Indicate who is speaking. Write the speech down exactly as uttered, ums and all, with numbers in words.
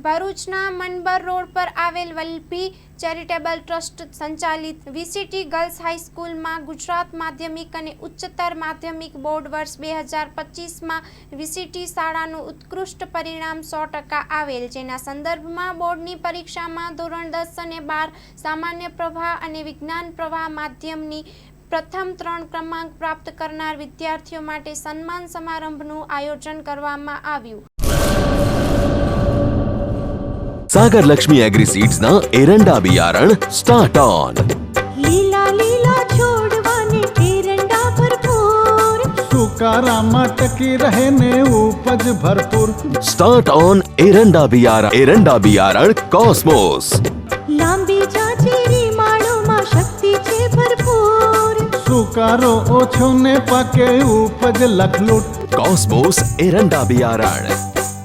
Speaker 1: ભરૂચના મનબર રોડ પર આવેલ વલ્લભી ચેરિટેબલ ટ્રસ્ટ સંચાલિત વીસીટી ગર્લ્સ હાઈસ્કૂલમાં ગુજરાત માધ્યમિક અને ઉચ્ચતર માધ્યમિક બોર્ડ વર્ષ બે હજાર પચીસમાં વીસીટી શાળાનું ઉત્કૃષ્ટ પરિણામ સો ટકા આવેલ, જેના સંદર્ભમાં બોર્ડની પરીક્ષામાં ધોરણ દસ અને બાર સામાન્ય પ્રવાહ અને વિજ્ઞાન પ્રવાહ માધ્યમની પ્રથમ ત્રણ ક્રમાંક પ્રાપ્ત કરનાર વિદ્યાર્થીઓ માટે સન્માન સમારંભનું આયોજન કરવામાં આવ્યું.
Speaker 2: सागर लक्ष्मी एग्रीसीड्स ना एरंडा बियारण स्टार्ट ऑन.
Speaker 3: લીલા લીલા છોડવાને એરંડા ભરપૂર,
Speaker 4: સુકારામાં ટકી રહે ને ઉપજ ભરપૂર.
Speaker 2: स्टार्ट ऑन एरंडा बियारण एरंડા बियारण कॉस्मोस.
Speaker 3: લાંબી જાચેરી માળોમાં શક્તિ છે ભરપૂર,
Speaker 4: સુકારો ઓછો ને પાકે ઉપજ લખલૂટ.
Speaker 2: कॉस्मोस एरंડા बियारण.